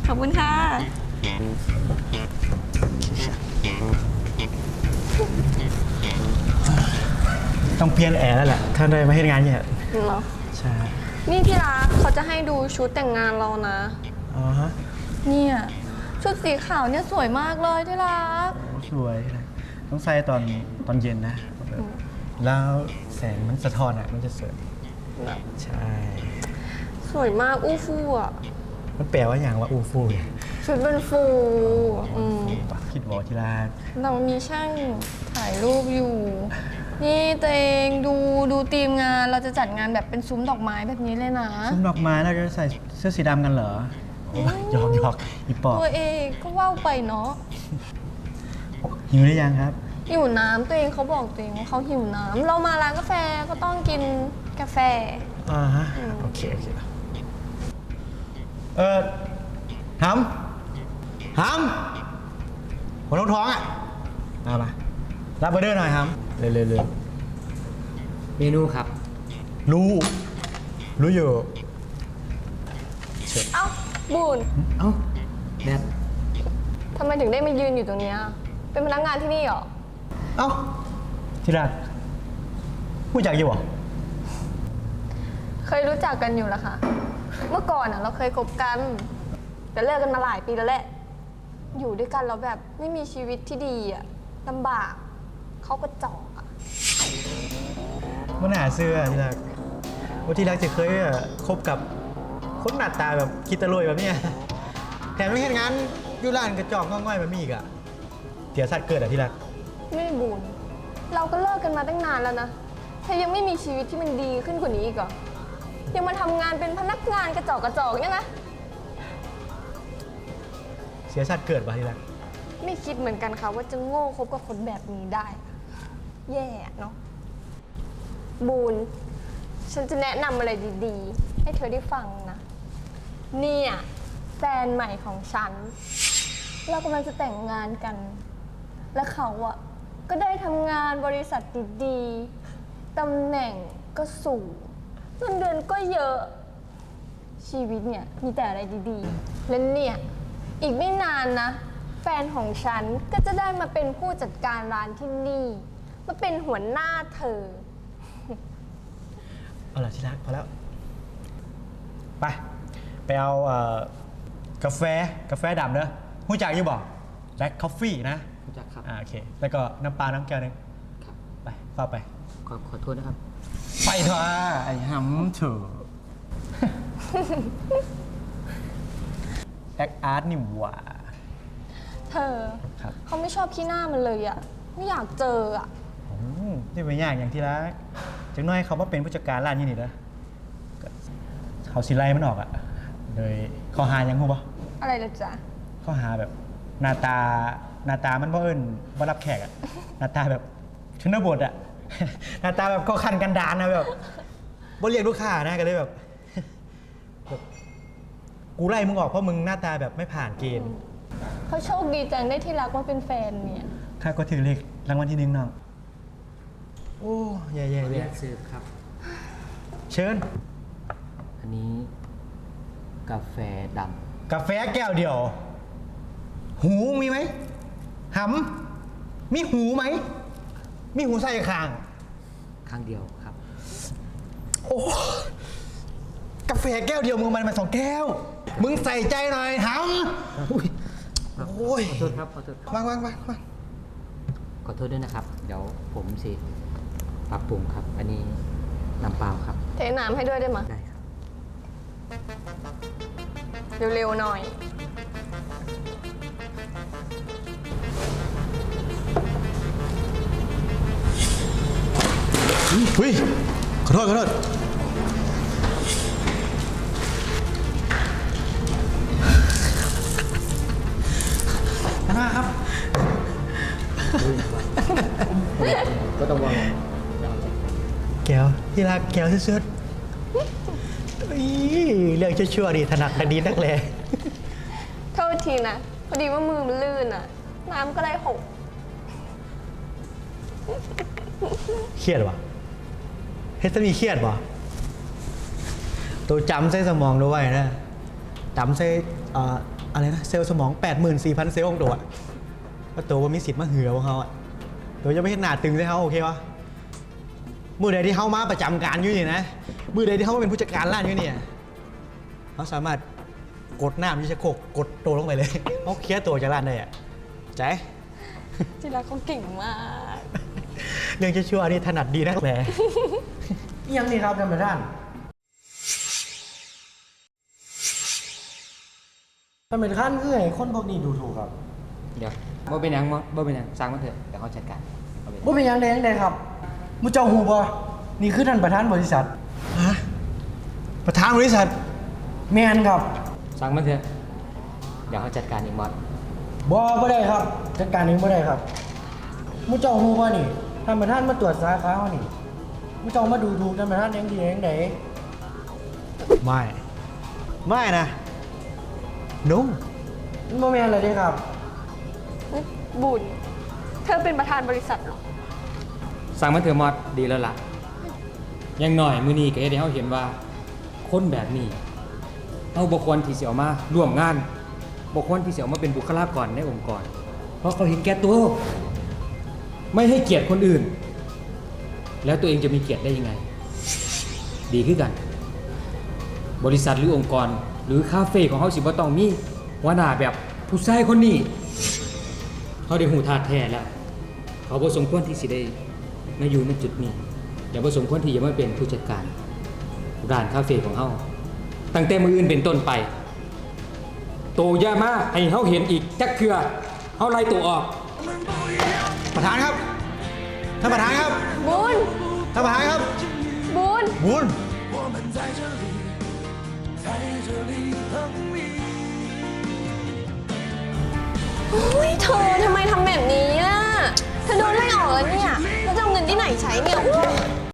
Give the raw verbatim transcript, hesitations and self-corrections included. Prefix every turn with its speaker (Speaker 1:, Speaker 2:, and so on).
Speaker 1: อบคุณค่ะ
Speaker 2: ต้องเปลี่ยนแอร์แล้วแหละถ้าได้มาให้งานเนี่ย
Speaker 1: เหรอ
Speaker 2: ใช่
Speaker 1: นี่ที่รักเขาจะให้ดูชุดแต่งงานเรานะ
Speaker 2: อ๋อฮะ
Speaker 1: เนี่ยชุดสีขาวเนี่ยสวยมากเลยที่รัก
Speaker 2: สวยนะต้องใส่ตอนตอนเย็นนะแล้วแสงมันสะท้อนอ่ะมันจะสวยใช่
Speaker 1: สวยมากอู้ฟู่อ่ะ
Speaker 2: มันแปลว่าอย่างว่าอูฟูเนี่ย
Speaker 1: ชุดเป็นฟูอืม
Speaker 2: คิดบอกที่ร้าน
Speaker 1: เรามีช่างถ่ายรูปอยู่นี่ตัวเองดูดูทีมงานเราจะจัดงานแบบเป็นซุ้มดอกไม้แบบนี้เลยนะ
Speaker 2: ซุ้มดอกไม้เราจะใส่เสื้อสีดำกันเหรอหยอกหยอกอีปอบ
Speaker 1: ตัวเองก็ว่าวไปเนาะ
Speaker 2: หิวหรือยังครับ
Speaker 1: หิวน้ำตัวเองเขาบอกตัวเองว่าเขาหิวน้ำเรามาร้านกาแฟก็ต้องกินกาแฟ
Speaker 2: อ่าฮะโอเคโอเคเออหำหำหัวท้องท้องอ่ะมามารับเบอร์เดอร์หน่อยครับเร็วเร็วเร็ว
Speaker 3: เมนูครับ
Speaker 2: รู้รู้อยู่
Speaker 1: เอ้าบูน
Speaker 3: เอ้าแนท
Speaker 1: ทำไมถึงได้มายืนอยู่ตรงนี้เป็นพนักงานที่นี่เหรอ
Speaker 2: เอ้าที่รักรู้จักอยู่หรอ
Speaker 1: เคยรู้จักกันอยู่แล้วค่ะเมื่อก่อนอ่ะเราเคยคบกันแต่เลิกกันมาหลายปีแล้วแหละอยู่ด้วยกันแล้วแบบไม่มีชีวิตที่ดีอ่ะลำบากเขาก็จอกอ่ะ
Speaker 2: มันหาเสื้อที่รักว่าที่รักจะเคยคบกับคนหน้าตาแบบคิดตะลุยแบบนี้แถมไม่เห็นงานอยู่ร้านกระจอกง่อยๆแบบนี้อีกอ่ะเสียสัตว์เกิดอ่ะที่รัก
Speaker 1: ไม่บุญเราก็เลิกกันมาตั้งนานแล้วนะเธอยังไม่มีชีวิตที่มันดีขึ้นกว่านี้อีกเหรอยังมาทำงานเป็นพนักงานกระจอกกระจอกเนี่ยนะ
Speaker 2: เสียชาติเกิดป่ะที่รัก
Speaker 1: ไม่คิดเหมือนกันค่ะว่าจะโง่คบกับคนแบบนี้ได้แย่เนาะบูนฉันจะแนะนำอะไรดีๆให้เธอได้ฟังนะเนี่ยแฟนใหม่ของฉันเรากำลังจะแต่งงานกันและเขาอะก็ได้ทำงานบริษัทดีๆตำแหน่งก็สูงเงินเดือนก็เยอะชีวิตเนี่ยมีแต่อะไรดีๆและเนี่ยอีกไม่นานนะแฟนของฉันก็จะได้มาเป็นผู้จัดการร้านที่นี่มาเป็นหัวหน้าเธอ
Speaker 2: เอาล่ะที่รักพอแล้วไปไปเอาเอ่อกาแฟกาแฟดำเนอะหูจักอยู่บอกแบล็คคอฟฟี่นะ
Speaker 3: หูจักครับ
Speaker 2: อ่าโอเคแล้วก็น้ำปลาน้ำแก้วนึง
Speaker 3: ครับ
Speaker 2: ไปเข้าไป
Speaker 3: ขอขอโทษนะครับ
Speaker 2: ไปเถอะไอ้หำเถอะแอคอาร์ตนี่หว่า
Speaker 1: เธอเขาไม่ชอบขี้หน้ามันเลยอ่ะไม่อยากเจออ่ะ
Speaker 2: นี่เป็นอย่างอย่างที่รักจังน้อยเขามาเป็นผู้จัดการร้านยี่นี่นะเขาสิไล่มันออกอ่ะโดยข้อหายังหูปะ
Speaker 1: อะไรล่ะจ๊ะ
Speaker 2: ข้อหาแบบหน้าตาหน้าตามันบ่เอิญบ่รับแขกอ่ะหน้าตาแบบชนบทอ่ะหน้าตาแบบก็คันกันดานนะแบบบ่เรียกลูกค้านะก็เลยแบบกูไล่มึงออกเพราะมึงหน้าตาแบบไม่ผ่านเกณฑ์
Speaker 1: เขาโชคดีจังได้ที่รักว่าเป็นแฟนเนี่ย
Speaker 2: ข้าก็ถือเลขรางวัลที่หนึ่งน้องโอ้แย่ๆ
Speaker 3: เลยเรียกซื้อครับ
Speaker 2: เชิญ
Speaker 3: อันนี้กาแฟด
Speaker 2: ำกาแฟแก้วเดียวหูมีไหมหำมีหูไหมมีหูใส่ข้าง
Speaker 3: ข้างเดียวครับ
Speaker 2: โอ้กาแฟแก้วเดียวมึงมันมาสองแก้วมึงใส่ใจหน่อยหำโอ้ย
Speaker 3: ขอโทษครับขอโทษ
Speaker 2: วางวางวางวาง
Speaker 3: ขอโทษด้วยนะครับเดี๋ยวผมสิปรับปรุงครับอันนี้น้ำเปล่าครับ
Speaker 1: เทน้ำให้ด้วยได้ไหม
Speaker 3: ได้ครับ
Speaker 1: เร็วๆหน่อย
Speaker 2: เฮ้ยขอโทษขอโทษนะครับ
Speaker 3: ก็ต้องวาง
Speaker 2: แก้วที่รักแก้วสุดๆเรื่องชั่วๆดีถนัดดีนักเลย
Speaker 1: โทษทีนะพอดีว่ามือมันลื่นอ่ะน้ำก็ได้หก
Speaker 2: เครียดวะเฮสมีเครียดวะตัวจำใส่สมองด้วยนะจำใส่อะไรนะเซลล์สมอง แปดหมื่นสี่พัน เซลล์ของตัวอะว่าตัวว่ามีสิทธิ์มาเหือของเขาอะตัวจะไม่เห็นหน้าตึงใส่เขาโอเควะมือใดที่เขามาประจำการอยู่นี่นะมือใดที่เขามาเป็นผู้จัดการร้านอยู่เนี่ยเขาสามารถกดหน้ามิชโคกกดตัวลงไปเลยเขาเคลียร์ตัวจากร้านได้อะใจ
Speaker 1: ที่รักเขาเก่งมาก
Speaker 2: เรื่องชั่วๆนี่ถนัดดีนักแหละ
Speaker 4: ยังนี่ครับท่านประธานท่านประธานคือให้คนพวกนี้ดูถูกครับ
Speaker 3: เดี๋ยวบ่เป็นหยังบ่บ่เป็นหยังสร้างมันเถอะเดี๋ยวเขาจัดการเอาไป
Speaker 4: ว่าเป็นหยังไงยังไงครับมุเจ้าหูบ่นี่คือท่านประธานบริษัท
Speaker 2: ฮะประธานบริษัท
Speaker 4: แมนครับ
Speaker 3: สร้างมันเถอะเดี๋ยวเขาจัดการเองมอส
Speaker 4: บ่บ่ได้ครับจัดการเองบ่ได้ครับมุเจ้าหูบ่นี่ท่านประธานมาตรวจสาขาเฮานี่มุเจ้ามาดูถูกท่านประธานเองดีเองได
Speaker 2: ไม่ ไม่นะนุ่ม
Speaker 4: มันบ่แม่นเลยเด้ครับ
Speaker 1: บุญ เธอเป็นประธานบริษัทเหรอ
Speaker 3: สร้างมันเถอะมอสดีแล้วล่ะอยังหน่อยมื้อนี้ก็เฮ็ดให้เฮาเห็นว่าคนแบบนี้เฮาบ่ควรที่สิเอามาร่วมงานบ่ควรที่สิเอามาเป็นบุคลากรในองค์กร เพราะเขาเห็นแก่ตัวไม่ให้เกียรติคนอื่น แล้วตัวเองจะมีเกียรติได้ยังไง ดีขึ้นกัน บริษัทหรือองค์กร หรือคาเฟ่ของเขาสิบ่ต้องมีหัวหน้าแบบผู้ชายคนนี้เขาได้หูทาดแท้แล้ว เขาบ่สมควรที่สิได้มาอยู่ในจุดนี้อย่าบ่สมควรที่จะมาเป็นผู้จัดการร้านคาเฟ่ของเขาตั้งแต่มื้ออื่นเป็นต้นไปโตอย่ามาให้เขาเห็นอีกจักเทื่อเขาไล่ตัวออก
Speaker 2: ประธานครับ ท่านประธานครับ
Speaker 1: บุญ
Speaker 2: ท่านประธานครับ
Speaker 1: บุญ
Speaker 2: บุญ
Speaker 1: โอ้ยเธอทำไมทำแบบนี้ล่ะ เธอโดนไล่ออกแล้วเนี่ย แล้วจะเอาเงินที่ไหนใช้เนี่ยอุ๊ย